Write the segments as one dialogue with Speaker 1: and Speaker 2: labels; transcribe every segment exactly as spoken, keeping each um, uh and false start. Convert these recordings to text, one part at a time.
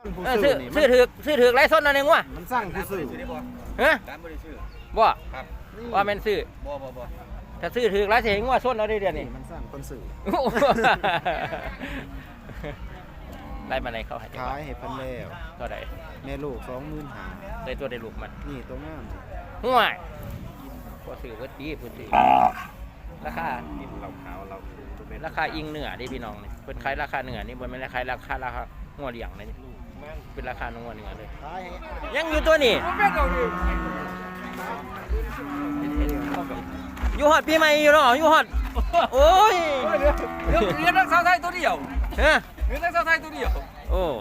Speaker 1: ซื้อซื้อถือซื้อถือไรส้นอะไรงัว
Speaker 2: มันสร้างผู้ซื้อ
Speaker 1: ฮะบ่
Speaker 2: ครับ
Speaker 1: ว่าแม่นซื้อ
Speaker 2: บ่บ่บ่
Speaker 1: ถ้าซื้อถือไรเสียงัวส้นเอาได้เดือนนี้
Speaker 2: มันสร้างคนซื้อ
Speaker 1: ได้มาไหนเขาให้
Speaker 2: ขายให้พันแล้ว
Speaker 1: เท่าไหร่
Speaker 2: แม่ลูกสองหมื่นห้า
Speaker 1: ได้ตัวได้ลูกมัน
Speaker 2: นี่ตัวงาม
Speaker 1: ห่วยพอซื้อก็ดีพื้นที่ราคา
Speaker 2: ดินเราขาวเรา
Speaker 1: ราคาอิงเหนือดิพี่น้องนี่เป็นขายราคาเหนือนี่บนไม่ได้ขายราคาราคางัวเลี้ยงเลยนี่เป็นราคางัวเหนือเลยยังอยู่ตัวนี้อยู่ฮอดปีใหม่อยู่เนาะอยู่ฮอดโอ้ย
Speaker 3: เรียนนักสาวไทยตัวเดียว
Speaker 1: ฮะ
Speaker 3: เรียนนักสาวไทยตัวเดียว
Speaker 1: โอ้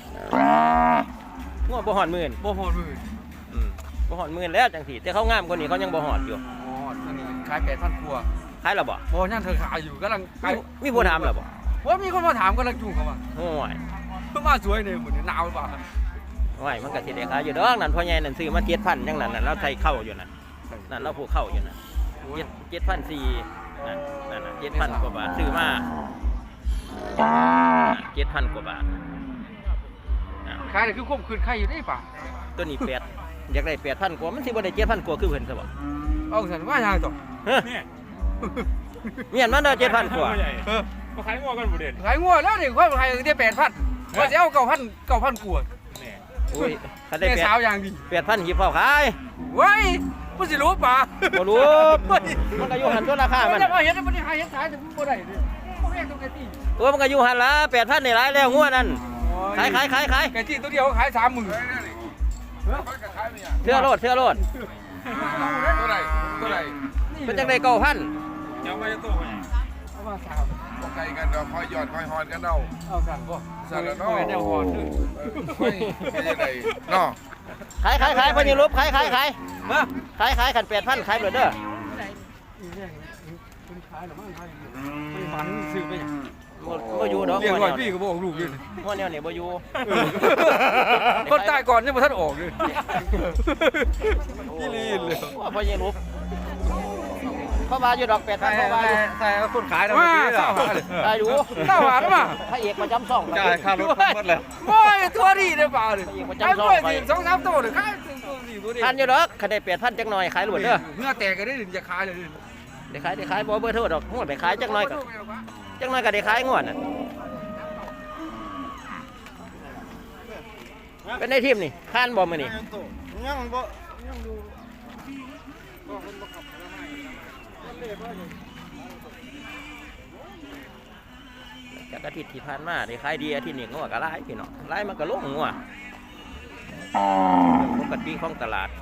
Speaker 1: งัวบ่ฮอดหมื่น
Speaker 3: บ่ฮอดหมื่น
Speaker 1: อืมบ่ฮอดหมื่นแล้วจังสิแต่เขางามกว่านี้เขายังบ่ฮอดอยู่
Speaker 3: อ๋ออันนี้ขายแปดพันกว่า
Speaker 1: ขายแล้วบ่
Speaker 3: บ่ยังเธอขายอยู่กำลัง
Speaker 1: มีผู้ถามแล้วบ่
Speaker 3: ว่ามีคนมาถามกำลังจูงเขาว่า
Speaker 1: โอ้ย
Speaker 3: เพิ่งมาสวยเนี่ยเหมือนหนาวป่ะ
Speaker 1: โอ้ยมันก็สิได้ขายอยู่ดอกนั่นพ่อใหญ่นั่นซื้อมาเจ็ดพันจังนั้นน่ะเราใส่เข้าอยู่นั่นนั่นเราผู้เข้าอยู่นั่นเจ็ดพันสี่นั่นนั่นน่ะเจ็ดพันกว่าบาทซื้อมาเจ็ดพันกว่าบาท
Speaker 3: ขายเลยคือควบคืนใครอยู่ได้ป่ะ
Speaker 1: ตัวนี้แปดอยากได้แปดพันกว่ามันสิบ่ได้เจ็ดพันกว่าคือเพิ่นซะบ่
Speaker 3: เอาสันว่าอย่างต่อ
Speaker 1: เนี่ยเมียนมันได้เจ็ดพันกว่า
Speaker 3: เออมาขายงัวกันบ่เด่นขายงัวแล้วนี่คนขายได้แปดพันว่าจะเอาเก้าพันเก้าพันกว่า
Speaker 1: เนี่ยอุ้ยถ้าได้
Speaker 3: แปดสาวอย่างดี
Speaker 1: แปดพันหิบเผาขาย
Speaker 3: เว้ยบ่สิรู้ป่ะ
Speaker 1: บ่รู้มันก็อยู่หันตัวราคามัน
Speaker 3: จะมาเห็นมันได้ขายเห็นขายแต่บ่ได้เด้อบ่แพงตัวไก่ตี
Speaker 1: โอ้มันก็อยู่หันละแปดพันนี่หลายแล้วงัวนั่นขายขายขายขาย
Speaker 3: ไก่ตีตัวเดียวขายสามหมื่น
Speaker 1: เสื้อโลดเสื้อโลด
Speaker 3: ตัวไหนตัวไหน
Speaker 1: เป็นจังได๋เก้าพัน
Speaker 3: เดี๋ยวมาจะตัวไงเอามาสาม
Speaker 2: บ่ไกลกันดอกคอยหยอดคอยหอนกันเนาะ
Speaker 3: เอาสั่นบ่
Speaker 2: สั่นแล้วเนาะ
Speaker 3: แนวหอนคือ
Speaker 2: ไม่เป็นจังได๋เนาะ
Speaker 1: ขายขายขายเพิ่นนี่รูปขายขายขายมาขายขายคันแปดพันขายเบิดเด้อ
Speaker 3: คุณขายหรือมั่งขายไม่ฝันซื้อไป
Speaker 1: บ่อยู่ดอก
Speaker 3: เรียกร้อยพี่ก็บ่ออกลูกอยู่
Speaker 1: งัวแนวนี่บ่อยู่
Speaker 3: คนตายก่อนยังบ่ทันออกเลยยี่ลีนเลย
Speaker 1: ว่าพ่อใหญ่รูปพ่อมาอยู่ดอกแปดพันพ่อมาอยู่
Speaker 3: ใช่คนขายนะเมื่อกี้
Speaker 1: ได้ดู
Speaker 3: เก้าบาทมา
Speaker 1: พระเอกประจำช่อง
Speaker 3: จ่ายค่ารถหมดแล้วโอ้ยตัวดีเลยเปล่าเลย
Speaker 1: ขายด้วย
Speaker 3: สิสองสามตัวเลยขายตัวดีตัวดี
Speaker 1: ทันอยู่ดอกขายแปดพันจักหน่อยขายหลุดเด้อ
Speaker 3: เนื้อแตกกันได้ถึงจะขายเลย
Speaker 1: เดี๋ยวขายเดี๋ยวขายบ่เบอร์โทรดอกหัวไปขายจักหน่อยกับจักหน่อยกับเดี๋ยวขายงวดน่ะเป็นในทีมนี่ข้านบ่มื้อนี่
Speaker 2: ยังบ่
Speaker 1: ยังดูจากอาทิตย์ที่ผ่านมาได้ขายดีอาทิตย์นี้งัวก็หลายพี่น้องหลายมันก็ลงงัวปกติของตลาด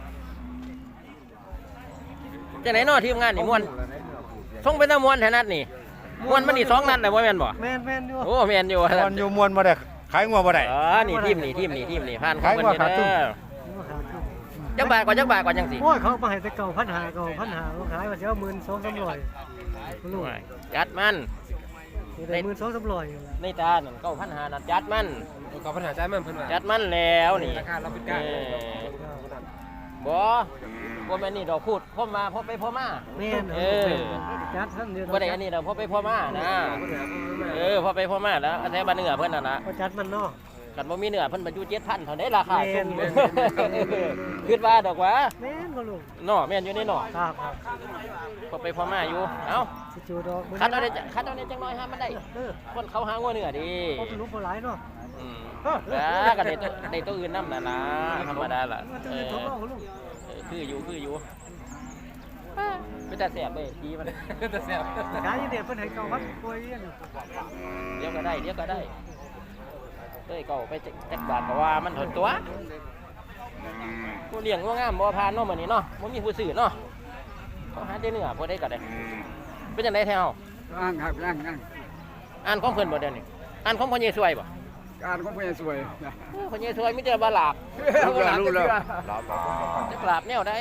Speaker 1: จังไหนเนาะทีมงานนี่ม่วนส่งเป็นตะม่วนแท้นัดนี่ม่วนมันนี่สองนัดได้บ่แม่นบ่
Speaker 3: แม่นๆอยู่
Speaker 1: โอ้แม่นอยู่
Speaker 2: ม่วนอยู่ม่วนบ่ได้ขายงัวบ่ได้
Speaker 1: อ๋อนี่ทีมนี่ทีมนี่ทีมนี่ผ่านของเพิ่นเด้อจักบาทกว่าจักบาทกว่าจังสิ
Speaker 3: โอ้ยเขามาให้แต่เก่าพันหาเก่าพันหาเขาขายว่าจะเอาหมื่นสองสามร้อย
Speaker 1: รู้จัดมัน
Speaker 3: ในหมื่นสองสามร้อย
Speaker 1: ในตาหนึ่งเก้าพันหานัดจัดมัน
Speaker 3: เก้าพันหาจัดมันเพิ่นว่า
Speaker 1: จัดมันแล้วนี่
Speaker 3: ราคาเราเป็นการ
Speaker 1: บ่บ่แม่นนี่ดอกพูดพ่อมาพ่อไปพ่อมา
Speaker 3: แม่นเออจัดท่านเดียว
Speaker 1: บ่ได้อันนี้ดอกพ่อไปพ่อมานะเออพ่อไปพ่อมาแล้วอันแท้บ้านเนื้อเพิ่นน่ะนะ
Speaker 3: บ่จัดมันเนาะ
Speaker 1: กันบ่มีเนื้อเพิ่นบรรจุ เจ็ดพัน เท่าใดราคาสูงคิดว่าดอกว่า
Speaker 3: แม่นบ่ลูก
Speaker 1: เนาะแม่นอยู่ในเนาะ
Speaker 3: ครับครับ
Speaker 1: พอไปพอมาอยู่เอ้า
Speaker 3: สิจูดอก
Speaker 1: คัดเอาได้คัดเอาได้จังน้อยหามันได้คนเขาหางัวเนื้อดี
Speaker 3: บ่เป็นลูกบ่หลายเนาะ
Speaker 1: อืมแล้วก็ได้ตัวได้ตัวอื่นนำนั่นล่ะธรรมดาล่ะเออคืออยู่คืออยู่เป็นแต่แซ่บเว้ยดีมัน
Speaker 3: เป็นแต่แซ่บขายอยู่เนี่ยเพิ่นให้เก้าพันกว่าอีหยัง
Speaker 1: เดี๋ยวก็ได้เดี๋ยวก็ได้เอ้ยก็ไปจักบาทก็ว่ามันถอนตัวผู้เลี้ยงว่างามบ่ผ่านเนาะมื้อนี้เนาะบ่มีผู้ซื้อเนาะเขาหาได้เนื้อบ่ได้ก็ได้เป็นจังได๋แท้เฮา
Speaker 3: อ่านครับอ่านอ่าน
Speaker 1: อ่านของเพิ่นบ่เดี๋ยวนี้อ่านของพ่อใหญ่สวยบ่
Speaker 3: อ่านของพ่อใหญ่สวย
Speaker 1: พ่อใหญ่สวยมีแต่บาหลาบ
Speaker 3: รู้แล้วรู้แล้ว
Speaker 1: จักหลาบแนวใด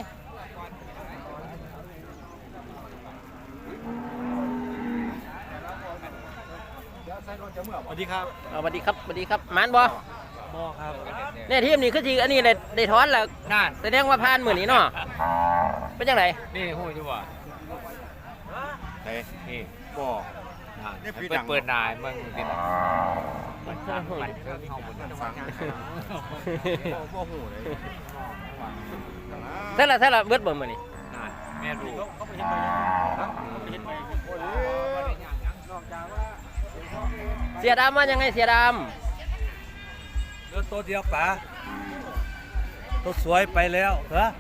Speaker 3: สวัสดีครับ
Speaker 1: สวัสดีครับสวัสดีครับหมานบ่
Speaker 3: บ่ครับ
Speaker 1: เนี่ยทีมนี้คือสิอันนี้ได้ได้ถอนแล้วนั่นแสดงว่าผ่านมื้อนี้เนาะเป็นจังได๋
Speaker 3: นี่ฮู้อยู่บ่
Speaker 2: เฮ้นี่
Speaker 3: บ่เปิดเปิดนายมึงติด
Speaker 1: ใช่ละใช่ละเบิดเบิ่มมื้อนี้
Speaker 3: แม่ดู
Speaker 1: เสียดำว่ายังไงเสียด
Speaker 4: เลือตัวเดียวป๋าตัวสวยไปแล้วเหรอ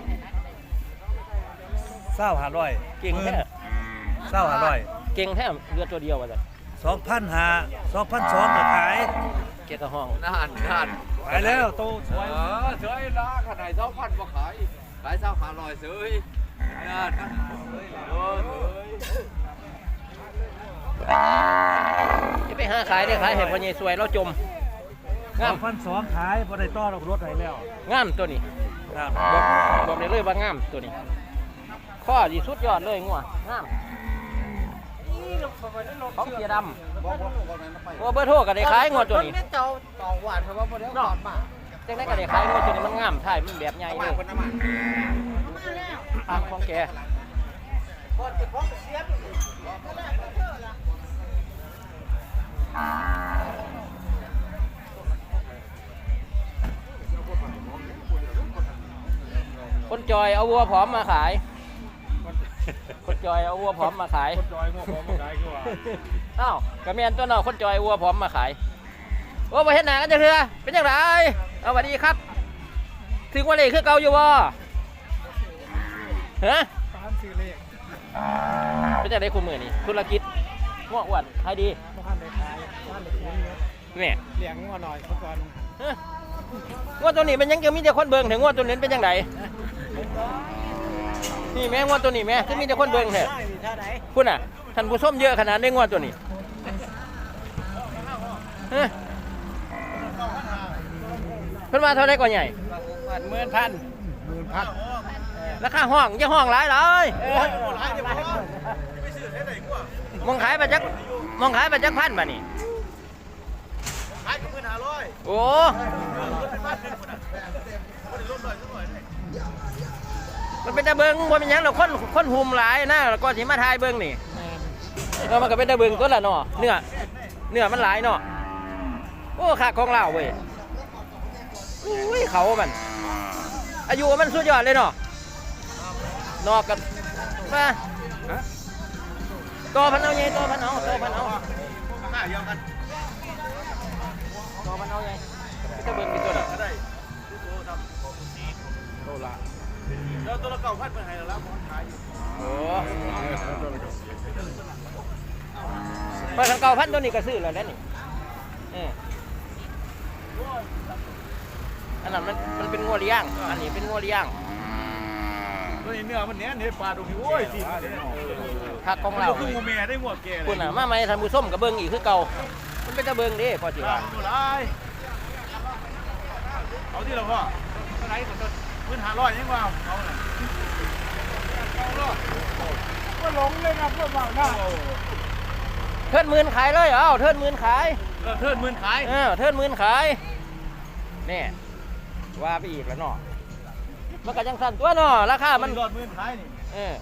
Speaker 4: เศร้าหาร้อย
Speaker 1: ำเก่งแท้
Speaker 4: เศร้าหาร้อย
Speaker 1: เก่งแท้เรือตัวเดียวว่าซั่น
Speaker 4: สองพันหาสองพันสองก็ขาย
Speaker 1: เกียรติห้อง
Speaker 3: นานนาน
Speaker 4: ขายแล้วตัวส
Speaker 3: เอ
Speaker 4: วย
Speaker 3: อเฉยละขนาดเท่าพันมาขายขายเท่าขาลอยเฉยนานโอ้ย
Speaker 1: จะไปหาขายได้ขายให้พ่อใหญ่สวยเราจม
Speaker 4: ส
Speaker 1: งา
Speaker 4: อ
Speaker 1: ม
Speaker 4: งพันสองขายพอได้ต้อนออกรถให้แล้ว
Speaker 1: งามตัวนี้
Speaker 4: ครับ
Speaker 1: บอกบอกได้เลยว่างามตัวนี้ข้อดีสุดยอดเลยงัวงามของเสียดำว่าเบอร์โทรก็ได้ขายงัวตัวนี้
Speaker 5: เจ้าต่อหวานครับว่าบ่ได้ก่อนมา
Speaker 1: จังได้ก็ได้ขายงัวตัวนี้มันงามถ่ายมันแบบใหญ่เลยทางของแกคนจอยเอาวัวผอมมาขาย คนจอยเอาวัวผอมมาขาย
Speaker 3: จอยงอกมาขายคือว่า
Speaker 1: เอ้ากระเมียนตัวน้อคนจอยวัวผอมมาขายโอ้ไปเห็นหน้ากันจะเถื่อเป็นยังไงเอาสวัสดีครับถึงวันเลยคือเก่าอยู่บ่ฮะ
Speaker 5: ตามซื้อเลข
Speaker 1: เป็นยังไงคุณมือนี่ธุรกิจง้ออ้วนให้ดี
Speaker 5: บ่ทันได้ขายบ้านเด็กเลี้ยงเยอะ
Speaker 1: เนี่ย
Speaker 5: เลี้ยงงัวหน่อยเมื่อก่อน
Speaker 1: ฮะง้อตัวนี้เป็นยังจะมีแต่คนเบิ่งถึงง้อตัวนี้เป็นยังไงนี่แม่ง้อตัวนี้แม่คือมีแต่คนเบิ่งแท้
Speaker 5: ได้มีท่าไหน
Speaker 1: คุณอ่ะท่านผู้ชมเยอะขนาดได้ง้อตัวนี้ฮะเพิ่นมาเท่าไรก่อนใหญ่
Speaker 5: หมื่นพันหมื่นพัน
Speaker 1: ราคาห้องจะห้องหลายเลย
Speaker 5: เออหลายเดี๋ยวบ่
Speaker 1: มองขายไปจักมองขายไปจักพันบ่นี่
Speaker 5: ขายกับหมื่นห้าร้อย
Speaker 1: โอ้มันเป็นตะเบิงบ่เป็นหยังหรอกคนคนหุมหลายนะแล้วก็สิมาทายเบิงนี่เออมันก็เป็นตะเบิงตัวละเนาะเนื้อเนื้อมันหลายเนาะโอ้ขาของเราเว้ยอุ้ยเขามันอายุมันสุดยอดเลยเนาะนอกกันมาตัวพันเอาไงตัวพันเอาตัวพันเอา
Speaker 5: หน้าเดียวกัน
Speaker 1: ตัวพันเอาไงจะเบิ่งเป็นตัวไหน
Speaker 5: ก็ได้โตละแล้วตัวละเก้าพันเป็นไงแล้วมันขายอยู่
Speaker 1: โอ้พอทางเก่าพันตัวนี้ก็ซื้อแล้วแล้วนี่เอออันนั้นมันมันเป็นงัวเลี้ยงอันนี้เป็นงัวเลี้ยง
Speaker 5: ตัวนี้เนื้อมันเนี้ยเนื้อปลาดูพี่โอ้ยสิ
Speaker 1: ผักของเรา
Speaker 5: คืองูแม่ได้หัวแก่
Speaker 1: คุณน่ะมาไหมท่านผู้ส้มกับเบิ้งอีกคือเก่ามันเป็นตะเบิ้งเด้พอจีว่า
Speaker 5: ตัวไรเอาที่เราพ่อเท่าไหร่ของต้นพื้นหาร้อยยังว่าเอาน่ะก็หลงเลยนะพวกเราหน้า
Speaker 1: เทิดหมื่นขายเลยเอ้าเทิดหมื่นขาย
Speaker 5: เออเทิดหมื่นขาย
Speaker 1: เออเทิดหมื่นขายนี่ว่าไปอีกแล้วเนาะมันก็ยังสั่นตัวเนาะราคามัน
Speaker 5: ยอดหมื่นขายนี่
Speaker 1: เออ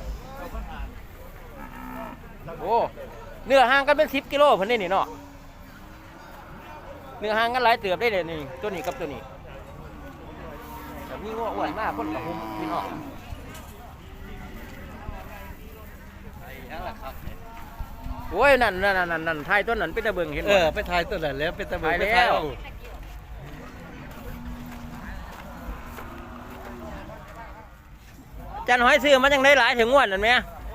Speaker 1: โอ้เนื้อห่างกันเป็นสิบกิโลเพิ่นนี่นี่เนาะเนื้อห่างกันหลายเติบได้เลยนี่ตัวนี้กับตัวนี้แต่มีง้ออ้วนมากคนกับหุ่มพี่น้องโอ้ยนั่นนั่นนั่นนั่นไทยต้นนั้นเป็นตะเบิงเห็น
Speaker 4: เอ
Speaker 1: บ่
Speaker 4: อไปถ่ายตัวนั้นแล้วเป็นตะเบิ
Speaker 1: ถ่าย
Speaker 4: ไป
Speaker 1: แล้ว
Speaker 4: เอา
Speaker 1: จันหอยซื้อมันยังได้หลายถึงงวดนั่นไหม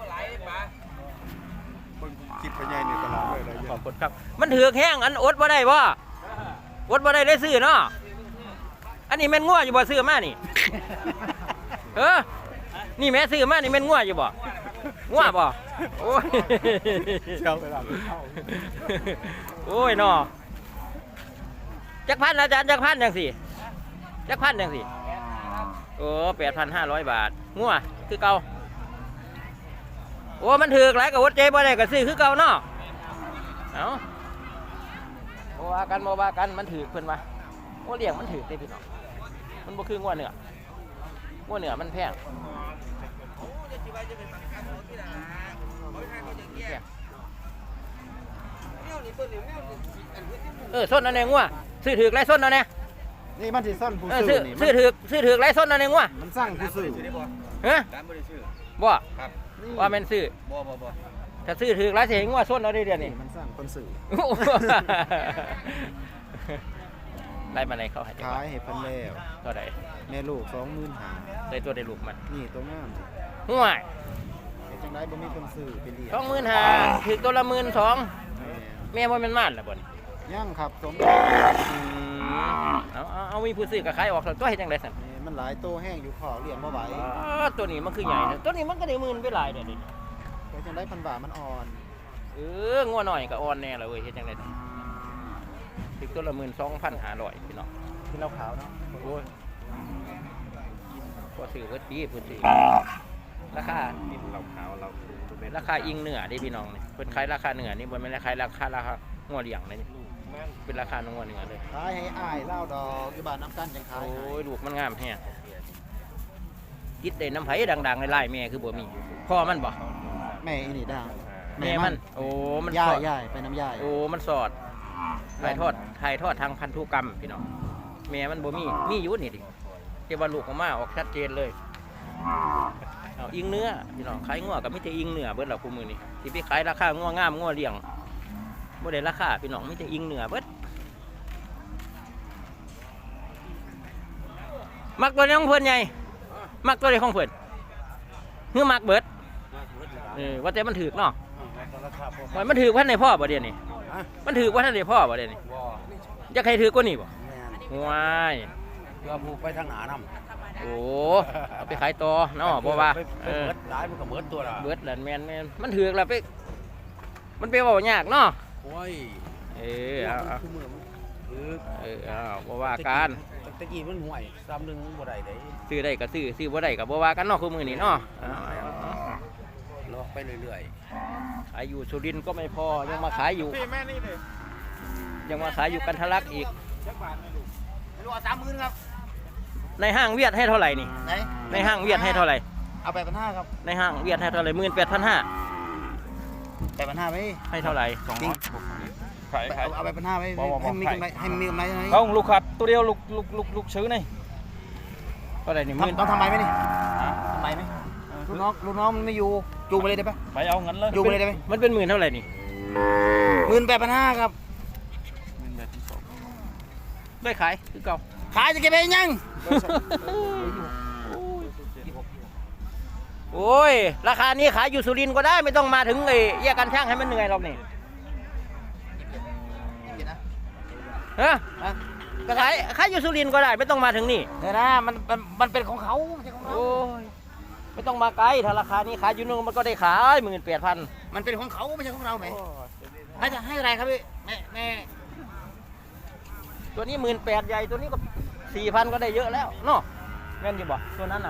Speaker 2: คิดไปใหญ่นี่ตลอดเลยเลย
Speaker 1: ขอบคุณครับมันถือกแห้งอันอดบ่ได้บ่อดบ่ได้ได้ซื้อเนาะอันนี้แม่นงัวอยู่บ่ซื้อมานี่ เออนี่แม่ซื้อมานี่แม่นงัวอยู่บ่งัวบ่โอ้ย
Speaker 2: เจ้าไปหลังเข้า
Speaker 1: โอ้ยเนาะจักพันอาจารย์จักพันจังสิจักพันจังสิโอ้แปดพันห้าร้อยบาทงัวคือเก่าโอ้มันถือกหลายกับวัดใจบ่ได้ก็ซื้อคือเก่าเนาะเอาโมว่ากันโมว่ากันมันถือกเพิ่นว่าโอ้เลี้ยงมันถือกเด้พี่น้องมันบ่คืองัวเนื้องัวเนื้อมันแพงแพงเออส้นเอาแนงงัวซื้อถือไรส้นเอาแน
Speaker 2: นี่มันสิซ่อนผู้
Speaker 1: เออ
Speaker 2: ซื้
Speaker 1: ซื้
Speaker 2: อ
Speaker 1: อ
Speaker 2: นี่
Speaker 1: ซื้อถือซื้อถือไรส้นเอาแนงงัว
Speaker 2: มันสร้างผู้ซื้อ
Speaker 1: ฮะ
Speaker 4: ร้านบ่ได้ชื่อ
Speaker 1: บ่
Speaker 4: ครับ
Speaker 1: ว่าแม่นซื้อ
Speaker 4: บ่บ่บ่
Speaker 1: ถ้าซื้อถือไรเสียงัวส้นเอาได้เดือนนี้
Speaker 2: มันสร้างคนซื้อ
Speaker 1: ไล่มาไหนเขาให้
Speaker 2: ขายให้เพันแล้ว
Speaker 1: เท่าไหร่
Speaker 2: แม่ลูกสองหมื่นหา
Speaker 1: ได้ตัวได้ลูกมัน
Speaker 2: นี่ตัวงาม
Speaker 1: ห่วย
Speaker 2: เฮ็ดจังไดบ่มีคนซื้อไปเลี้ยง
Speaker 1: สองหมื่นห้าถือตัวละหมื่นสอง
Speaker 2: แม่
Speaker 1: แม่ว่ามันม่านละบ่น
Speaker 2: ย่างครับสม
Speaker 1: อืมเอาเอาเอามีผู้ซื้อกับขายออกแล้วตัวเฮ็ดจังไดสั่น
Speaker 2: แม่มันหลายโตแห้งอยู่ขอเลี้ยงบ่ไหว
Speaker 1: อ๋อตัวนี้มันคือใหญ่นะตัวนี้มันก็ได้หมื่นไปหลายเด้อนี่
Speaker 2: เฮ็ดจังไดพันบาทมันอ่อน
Speaker 1: เอองัวหน่อยก็อ่อนแน่ละเว้ยเฮ็ดจังได๋ถือตัวละหมื่นสองพันห้าร้อยพี่น้อง
Speaker 2: ที่เราขาวเนาะ
Speaker 1: โอ้ยก็ซื้อเบิดปีผู้ซื้อราคา
Speaker 2: เราขาวเรา
Speaker 1: ราคาอิงเหนือเด้พี่น้องนี่เพิ่นขายราคาเหนือนี่บ่แม่นขายราคาราคางัวเลี้ยงเลยนี่เป็นราคางัวเหนือเลย
Speaker 2: ขายให้อ้ายเล่าดอกอยู่บ้านน้ำกันจังขาย
Speaker 1: โอ้
Speaker 2: ให้
Speaker 1: ยลูกมันงามแฮะคิดได้น้ำไผดังๆในไล่แม่คือบ่มีพ่อมันบ่
Speaker 2: แม่อีนี่ดัง
Speaker 1: แม่มัน โอ้มัน
Speaker 2: ย่า
Speaker 1: ส
Speaker 2: ย
Speaker 1: อด
Speaker 2: ย่ายไปน้ำย่าย
Speaker 1: โอ้มันสอดถ่ายทอดถ่ายทอดทางพันธุกรรมพี่น้องแม่มันบ่มีมีอยู่นี่ดิแต่ว่าลูกออกมาออกชัดเจนเลยเอาอิงเนื้อพี่น้องขายงัวกับมิแต่อิงเนื้อเบิดแล้วคู่มือนี่สิไปขายราคางัวงามงัวเลี้ยงบ่ได้ราคาพี่น้องมิแต่อิงเนื้อเบิดมักตัวนี้ของเพิ่นใหญ่มักตัวนี้ของเพิ่นคือมักเบิดเออว่าแต่มันถือกเนาะว่ามันถือกว่าในพ่อบ่เดี๋ยวนี้มันถือกว่าท่านในพ่อบ่เดี๋ยวนี้
Speaker 4: บ่
Speaker 1: จะใครถือกว่านี่บ่
Speaker 4: แม่น
Speaker 1: ว้าย
Speaker 4: เพื่อผู้ไปทางหน้านำ
Speaker 1: โอ้เอาไปขายต่อเนาะบ่ว่า
Speaker 4: ไป
Speaker 1: เออ
Speaker 4: เบิดหลายมันก็เบิดตัวละ
Speaker 1: เบิดแหละแม่นแม่นมันถือกแล้วไปมันไปเว้ายากเนาะ
Speaker 4: โอ้ย
Speaker 1: เออเอาเอา
Speaker 4: คือมือมันคือ
Speaker 1: เออเอาบ่ว่ากัน
Speaker 4: ตะกี้มันห่วยซ้ำหนึงบ่ได้เด้
Speaker 1: ซื้อได้ก็ซื้อซื้อบ่ได้ก็บ่ว่ากันเนาะคือมื้อนี้เนาะเอาเอาเอา
Speaker 4: เลาะไปเรื่อย
Speaker 1: ขายอยู่สุรินทร์ก็ไม่พอยังมาขายอยู่
Speaker 5: พี่แม่นี่เลย
Speaker 1: ยังมาขายอยู่กันทะลักอีก
Speaker 5: จักบาทเลยลูก
Speaker 2: ไม่รู้เอาสามหมื่นครับ
Speaker 1: ในห้างเวียดให้เท่าไหร่นี่
Speaker 2: ไหน
Speaker 1: ในห้างเวียดให้เท่าไหร่
Speaker 2: เอาไปพันห้าครับ
Speaker 1: ในห้างเวียดให้เท่าไหร่หมื่นแปดพันห้า
Speaker 2: ไปพันห้าไหม
Speaker 1: ให้เท่าไหร่
Speaker 2: จริง
Speaker 5: ขายขาย
Speaker 2: เอาเอาไปพันห้าไหม
Speaker 5: บอกบอก
Speaker 2: ให้มี
Speaker 5: ขาย
Speaker 2: กำไรให้มีกำไรไหม
Speaker 5: เอาลูกครับตัวเดียวลูกลูกลูกลูกซื้อนี่
Speaker 1: เท่าไหร่นี่หมื่น
Speaker 2: ทำต้องทำไมไหมนี่ทำไมไหมลูกน้องลูกน้องมันไม่อยู่จูงไปเลยได้ปะ
Speaker 5: ไปเอาเงินเลย
Speaker 2: จูงไปเลยได้ไหม
Speaker 1: มันเป็นหมื่นเท่าไหร่นี่
Speaker 2: หมื่นแปดพันห้าครับ
Speaker 1: ได้ขายคือเก่า
Speaker 2: ขายจะเก็บไปยัง
Speaker 1: โอ้ยราคานี้ขายอยู่สุรินทร์ก็ได้ไม่ต้องมาถึงไอ้แยกกันช่างให้มันเหนื่อยหรอกนี่ฮะก็ขายขายอยู่สุรินทร์ก็ได้ไม่ต้องมาถึงนี่
Speaker 2: เดี๋ยวนะมันมันมันเป็นของเขาไม่ใช่ของเรา
Speaker 1: โอ้ยไม่ต้องมาไกลถ้าราคานี้ขายอยู่นู่นมันก็ได้ขายหมื่นแปดพัน
Speaker 2: มันเป็นของเขาไม่ใช่ของเราไหมให้จะให้อะไรครับพี่แม่แม่
Speaker 1: ตัวนี้หมื่นแปดใหญ่ตัวนี้ก็สี่พันก็ได้เยอะแล้วเนาะแม่นอยู่บ่ตัวนั้นน่ะ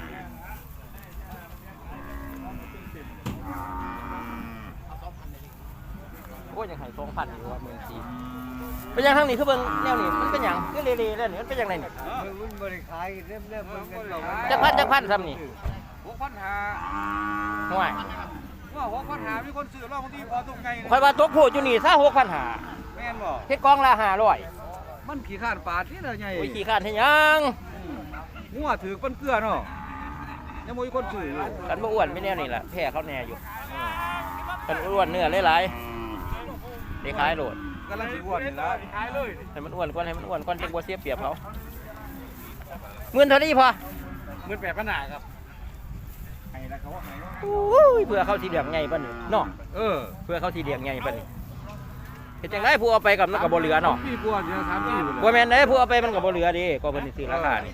Speaker 1: โอ้ยยังให้สองพันอยู่ว่าหมื่นสี่เป็นยังทางนี้คือเบิ่งแนวนี้มันเป็นหยังคือเละๆแล้วนี่มันเป็นยังไงนี่
Speaker 4: มันบ่ได้ขายเริ่มๆมันกันเรา
Speaker 1: จักพันจักพันซ้ำนี่
Speaker 5: หกพันห้า
Speaker 1: ห่วย
Speaker 5: ว่าหกพันห้ามีคนซื้อรอบบางทีพอตรงไง
Speaker 1: คอยว่าตกโพดอยู่นี่ซะหกพันหา
Speaker 5: แม่นบ่
Speaker 1: เฮ็ดกองละห้าร้อย
Speaker 5: มันขี้ข้านปาดนี่เลยไง
Speaker 1: โอ้ยขี้ข้านเฮ็ดหยัง
Speaker 5: งัวถือปันเกลือเนาะยังมีคนซื้ออยู่
Speaker 1: กันบ่อ้วนไม่แน่นี่แหละแพ้เขาแน่อยู่กันอ้วนเนื้อหลายๆได้ขายโหลด
Speaker 5: กำลังสิอ้วนนี่ละขายเลย
Speaker 1: ให้มันอ้วนก่อนให้มันอ้วนก่อนจังบ่เสียเปรียบเขาหมื่นเท่านี้พอ
Speaker 5: หมื่นแปดพันห้าครับให้นะเขาว่าให้
Speaker 1: โอ้ยเพื่อเขาสิเลี้ยงไงปะนี่เนาะ
Speaker 5: เออ
Speaker 1: เพื่อเขาสิเลี้ยงไงปะนี่เฮ็ดจังไดผู้เอาไปกับมันก็บ่เหลือเนาะ
Speaker 5: พี่กลัวจะถามพี่อยู่
Speaker 1: บ่แม่นเด้ผู้เอาไปมันก็บ่เหลือเดิก็เพิ่นสิซื้อราคานี่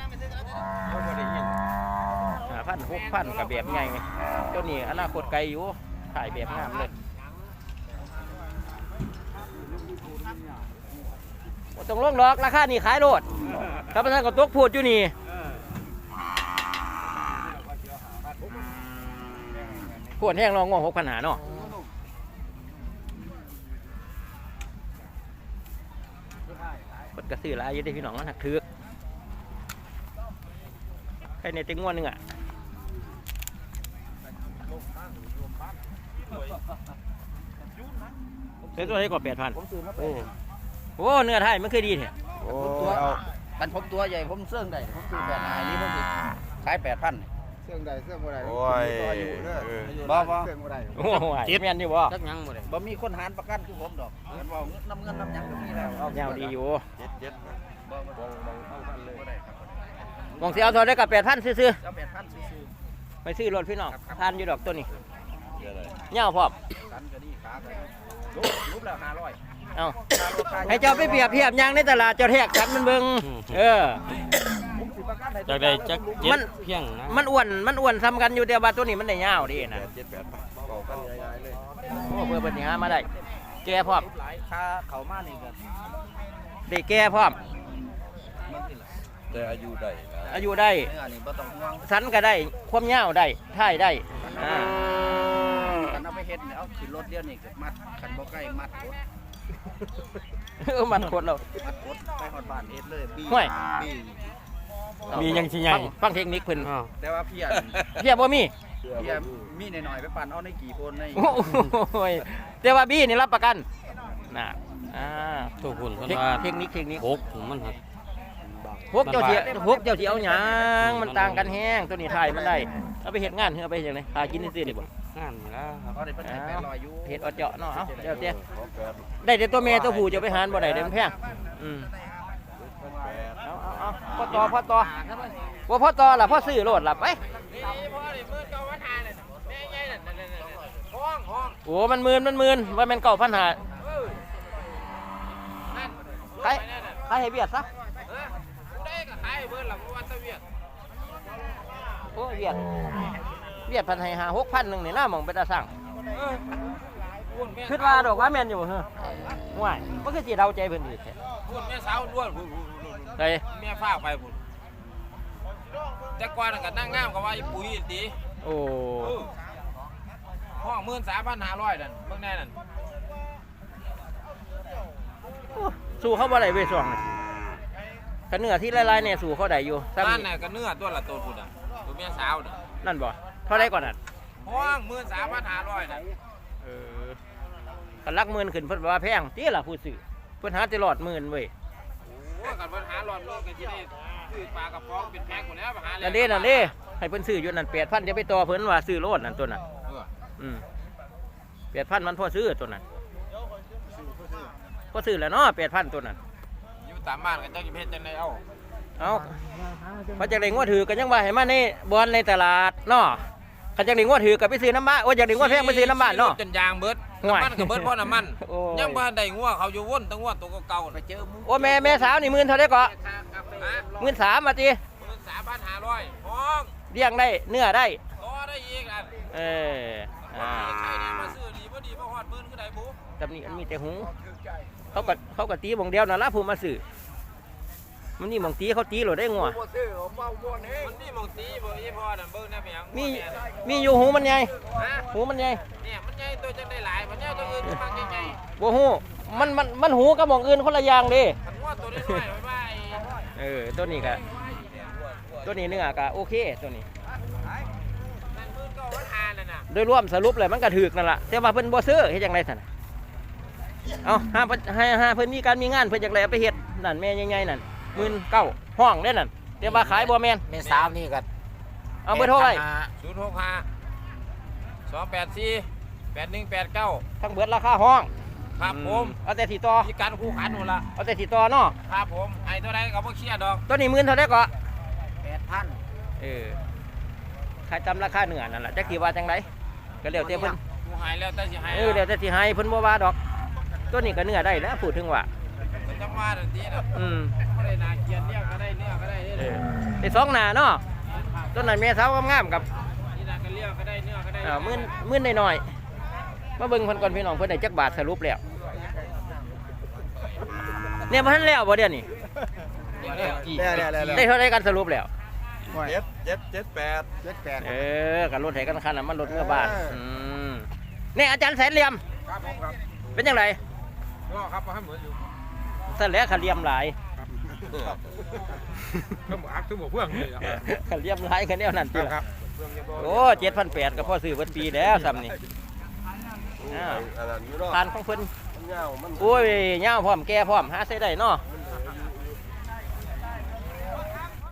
Speaker 1: ห้าพัน หกพันก็แบบใหญ่ไงเจ้านี่อนาคตไกลอยู่ขายแบบงามเลยบ่ต้องลงดอกราคานี่ขายโลดถ้าประธานก็ตกพูดอยู่นี่ขวดแห้งรองงอหกพันหาเนาะกดกระสือหลายอยู่ได้พี่น้องมันหักถือกใครในเต็งงวดหนึงอ่ะเป็นตัวไหนก็แปดพัน
Speaker 2: ผมซื้อมา
Speaker 1: โอ้โหเนื้อไทยมันคือดีแท้
Speaker 2: โอ้ตัวกันผมตัวใหญ่ผมเสื่องได้ผมซื้อแบบไหนนี่ผมสิขายแปดพัน
Speaker 5: เสื่องใดเสื่องบ่ได้
Speaker 3: โอ้ย
Speaker 2: บ่บ่
Speaker 5: เสื่องบ่ได้
Speaker 1: โอ้โหเจ็บแม่นอยู่บ่
Speaker 2: จักยังบ่ได้บ่มีคนหารประกันคือผมดอกกันว่าน้ำเงินน้ำหยังก็มีแล้ว
Speaker 1: ยาวดีอยู่
Speaker 3: เจ็ดเจ็ด
Speaker 2: บ่บ่บ่เอากันเลยบ่ได้ครับ
Speaker 1: มองสิเอาเท่าได้กับแปดพันซื้อ
Speaker 2: เจ้าแปดพันซื้อ
Speaker 1: ๆไปซื้อรถพี่น้องทานอยู่ดอกตัวนี้
Speaker 3: เดี๋ยวเลย
Speaker 1: เหย้าพร้อม
Speaker 2: ๆกันก็ดีขาก็ดีรูปรูปแล้วห้าร้อย
Speaker 1: เอ้าให้เจ้าไปเปรียบเทียบยางในตลาดเจ้าแทกกันมันเบิ่งเออ
Speaker 2: ผมสิประกันให้
Speaker 6: จากได้จักเจ็
Speaker 1: มั
Speaker 6: ด
Speaker 1: น
Speaker 6: เพียงนะ
Speaker 1: มันอ้วนมันอ้วนซ้ำกันอยู่แต่ว่าตัวนี้มันได้ยาวดีนะ
Speaker 3: เจ็ดแปดบอกกันง่ายๆเลย
Speaker 1: โอ้เพื่อเพิ่นสิหามาได้แก่พร้อม
Speaker 2: หลายค่าเข้ามานี่ก็
Speaker 1: ได้แก่พร้อม
Speaker 2: มันสิล่ะ
Speaker 3: แต่อายุได้นะ
Speaker 1: อายุได้
Speaker 2: เนื้อนี่บ่ต้องห่วง
Speaker 1: สันก็ได้ความยาวได้ท่ายได้อ่า
Speaker 2: กันเอาไปเฮ็ดเนี่ยเอาขึ้นรถเดียวนี่ก็มัดคันบ่ใกล้มัดกด
Speaker 1: เออมันโคตรเรา
Speaker 2: มัดกดไปฮอดบ้านเฮ็ดเลยบี้
Speaker 1: ห่วย
Speaker 2: บี้
Speaker 6: มียังสิใหญ่
Speaker 1: ฟังฟังเทคนิคเพิ่น
Speaker 6: อ้าว
Speaker 2: แต่ว่าเพีย
Speaker 1: เพียบบ่มี
Speaker 2: เพียมีหน่อยๆไปปั่นเอาในกี่คนใน
Speaker 1: โอ้ยแต่ว่าบี้นี่รับประกันน่ะอ่า
Speaker 6: ตัวคุณเพิ่น
Speaker 1: เทค
Speaker 6: ว่า
Speaker 1: เทคนิคเทคนิค
Speaker 6: หกมันครับ
Speaker 1: พวกเจ้าเสียพวกเจ้าสิเอาหยังมันต่างกันแฮงตัวนี้ถ่ายมันได้เอาไปเฮ็ดงานเฮือเอาไปเฮ็ดจังได๋หากินซื่อๆนี่บ่
Speaker 6: งานนี่แล้วครับ
Speaker 2: เอาได้เพิ่นให้แปดร้อยอยู่
Speaker 1: เฮ็ดเอาเจาะเนาะเอาเจ้าเจ้
Speaker 3: ของแปด
Speaker 1: ได้แต่ตัวแม่ตัวผู้จะไปหารบ่ได้เด้มันแพงอืม
Speaker 3: แปด
Speaker 1: เอาเอาเอาพ่อต่อพ่อต่อบ่พ่อต่อล่ะพ่อซื้อโลดล่ะไปโอ้มันหมื่นมันหมื่นว่าแม่นเก้าพันห้าขายขายให้เวียดซะโอ้เวียดเวียดพันให้หาหกพันหนึ่งนี่น่าหมองไปตาสั่งคิดว่าดอกว่าแม่นอยู่บ่เฮ้อห่วยมันคือสิเดาใจเพิ่นอีกแท้
Speaker 7: พูดแม่สาวล้วนพูด
Speaker 1: ได
Speaker 7: แม่ฟ้าไปพูดแต่ก่อนนนก็นั่งงามกับว่าไอ้ปุ๋ยดี
Speaker 1: โอ้
Speaker 7: ห้องหมื่นสามพันห้าร้อยนั่นเบิ่งแน่นั่น
Speaker 1: สู้เขาบ่ได้เว้ยช่วงนี้คันเนื้อที่ลายๆเนี่ยสู้เขาได้อยู่ซ้ำ
Speaker 7: นั่น
Speaker 1: นี่
Speaker 7: น่ะก็เนื้อตัวละตัวพูดอ่ะตัวแม่สาวน่ะ
Speaker 1: นั่นบ่เท่าไรก่อนนั่น
Speaker 7: ห้องหมื่นสามพันห้าร้อยนั่น
Speaker 1: เออคันลักหมื่นขึ้นเพิ่นว่าแพงติล่ะผู้ซื้อเพิ่นหาแติรอดหมื่นเว้ย
Speaker 7: โอ้กันเพิ่นหาหลอดโลกกันที่ได้ซื้อปลากระป๋องเป็นแพงกว่าแล้วไปหา
Speaker 1: นั่นเด้นั่นเด้ให้เพิ่นซื้ออยู่นั่นแปดพันจะไปต่อเพิ่นว่าซื้อโลดนั่นตัวนั้น
Speaker 7: เออ
Speaker 1: อืมแปดพันมันพอซื้อตัวนั้นพอซื้อแล้วเนาะแปดพันตัวนั้น
Speaker 7: อยู่ตามบ้านกันจังสิเฮ็ดจังได๋เอา
Speaker 1: เอาพอจักได้งวดถือกันยังว่าให้มาในบ่อนในตลาดเนาะคันจักได้งวดถือก็ไปซื้อน้ำบ้านโอ้ยจักได้งวดแพงไปซื้อน้ำบ้านเนาะ
Speaker 7: จนยางเบิด
Speaker 1: ห่วย
Speaker 7: น้ำมันก็เบิดเพราะน้ำมัน
Speaker 1: โอ้ย
Speaker 7: ยังบ่ทันได้งัวเขาอยู่วนตั้งงัวตัวเก่าๆ
Speaker 2: ไป
Speaker 7: น่ะ
Speaker 2: เจอหมู
Speaker 1: โอ้แม่แม่สาวนี่หมื่นเท่าไดก็
Speaker 7: ฮะ
Speaker 1: หมื่นสามมาติ
Speaker 7: หมื่นสามพันห้าร้อยห้อง
Speaker 1: เลี้ยงได้เนื้อได้
Speaker 7: ต่อได้อีกอัน
Speaker 1: เอออ่า
Speaker 7: ใครดีมาซื้อดีบ่ดีบ่ฮอดหมื่นคือได้บุ
Speaker 1: ตำนี้มันมีแต่หูเขาก็เขาก็ตีหมองเดียวนั่นละผู้มาซื้อมันนี่หมองตีเขาตีโหลดได้งัว
Speaker 7: มันนี่มองตีบ่อีพอน่ะเบิ่งได้เพียง
Speaker 1: มีมีอยู่หูมันใหญ่
Speaker 7: ฮะ
Speaker 1: หูมันใหญ่
Speaker 7: เนี่ยมันใหญ่ตัวจังได้หลายมันใหญ่ตัวอื่นมันมักใหญ่
Speaker 1: บ่หูมันมันมันหูกับหมองอื่นคนละอย่างเดิ
Speaker 7: ๆคันว่าตัวน้อยๆไว้ไว้
Speaker 1: เออตัวนี้ก็ตัวนี้เนื้อก็โอเคตัวนี้
Speaker 7: นั่นหมื่นเก้าพันห้านั่นน่ะ
Speaker 1: โดยรวมสรุปเลยมันก็ถูกนั่นล่ะแต่ว่าเพิ่นบ่ซื้อเฮ็ดจังได๋ซั่นเอาห้าเพิ่นให้ห้าเพิ่นมีการมีงานเพิ่นอยากได้เอาไปเฮ็ดนั่นแม่ใหญ่ๆนั่นหมื่นเก้าห้องได้นั่นแต่ว่าขายบ่แม่น
Speaker 2: แม่สาวนี่ก็
Speaker 1: เอาเบอร์โทรไว้
Speaker 7: ศูนย์หกห้า สองแปดสี่ แปดหนึ่งแปดเก้า
Speaker 1: ทั้งเบิดราคาห้อง
Speaker 7: ครับผม
Speaker 1: เอาแต่สีต่อ
Speaker 7: มีการคู่ขันหมดละ
Speaker 1: เอาแต่สีต่อเนาะ
Speaker 7: ครับผมไอ้ตัวใดก็บ่เครียดดอก
Speaker 1: ตัวนี้หมื่นเท่าไดก็
Speaker 2: แปดพัน
Speaker 1: เออขายตามราคาเนื้อนั่นล่ะจักสิว่าจังไดก็แล้วแต่เพิ่น
Speaker 7: กูหายแล้วแต่สิหาย
Speaker 1: เออแล้วแต่สิให้เพิ่นบ่ว่าดอก ตัวนี้ก็เนื้อได้แล้วพูดถึงว่า
Speaker 7: มันจังว่าทันทีน่ะ
Speaker 1: อืม
Speaker 7: บ่ได้น่าเกลียดเนี่ยก็ได้เนี่ยก็ได้
Speaker 1: เอ
Speaker 7: เนี่ย
Speaker 1: อได้สองหน้าเนาะตัวนั้นแม่สาวงามๆกับ
Speaker 7: นี่น่าก็เลี้ยงก็ได้เนี่ยก็ได้
Speaker 1: อ่าหมื่นหมื่นน้อยๆมาเบิ่งเพิ่นก่อนพี่น้องเพิ่นได้จักบาทสรุปแล้วเนี่ยบ่ทันแล้วบ่เดี๋ยวนี้
Speaker 5: ได้ได้ได้
Speaker 1: ได้เท่าไรกันสรุปแล้ว
Speaker 3: เจ็ดเจ็ดเจ็ดแปด
Speaker 5: เจ็ดแปด
Speaker 1: เออกันรถไถกันคันน่ะมันรถเมื่อบาทอืมนี่อาจารย์แสนเหลี่ยม
Speaker 7: ครับผมครับ
Speaker 1: เป็นยังไง
Speaker 7: ก็ครับให้เหมือนอยู่
Speaker 1: สั่นแหล้วขันเหลี่ยมหลาย
Speaker 7: ก็บ่อักถึงบ่เพื่องเลย
Speaker 1: ขันเหลี่ยมหลายขันแนวนั้นติ
Speaker 7: ครับ
Speaker 1: โอ้เจ็ดพันแปดก็พอซื้อเบิดปีแล้วซ้ำนี่อ่า
Speaker 3: อันนั้นอยู่เนาะ
Speaker 1: ทานของเพิ่นโอ้ยเหย้าพร้อมแก่พร้อมหาใส่ได้เนาะ
Speaker 5: แ